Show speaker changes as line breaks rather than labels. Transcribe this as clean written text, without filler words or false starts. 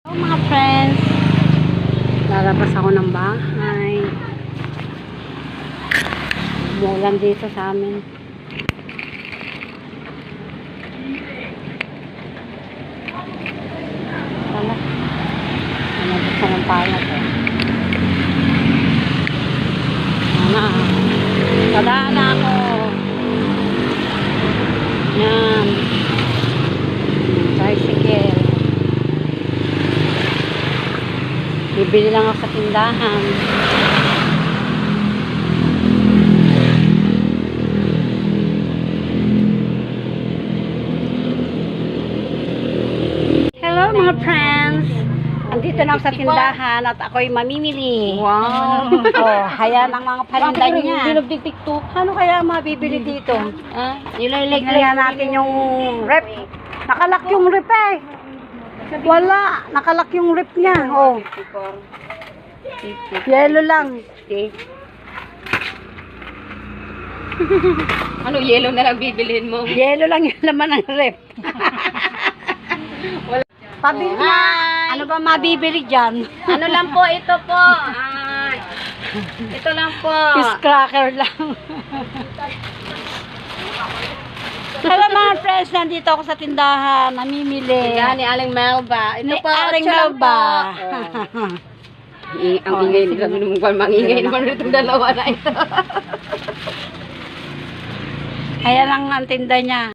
Hello mga friends, lalabas ako ng bahay. Umulan dito sa amin. Tala, lalabas na ng palat eh. Tadaan na ako. Yan. Tricycle. Bibili lang ako sa tindahan. Hello mga friends! Andito na ako sa tindahan at ako'y mamimili. Wow! Oh, hayan ang mga paninda niya. Ano kaya mabibili dito? Tingnan natin yung rep. Nakalak yung rep eh. Wala. Nakalak yung rep niya. Oh. Yellow lang.
Ano, yellow na lang bibilhin mo?
Yellow lang yung laman ng rep. Pabili na. Ano ba mabibili dyan?
Ano lang po, ito po. Ito lang po.
Fish cracker lang. Hello mga friends, nandito ako sa tindahan, namimili.
Yan, ni Aling Melba. Ito
Ni
po,
Aling
8 lang
Melba.
po. Ang ingay nila naman, mangingay naman itong dalawa na ito.
Ayan ang tinda niya.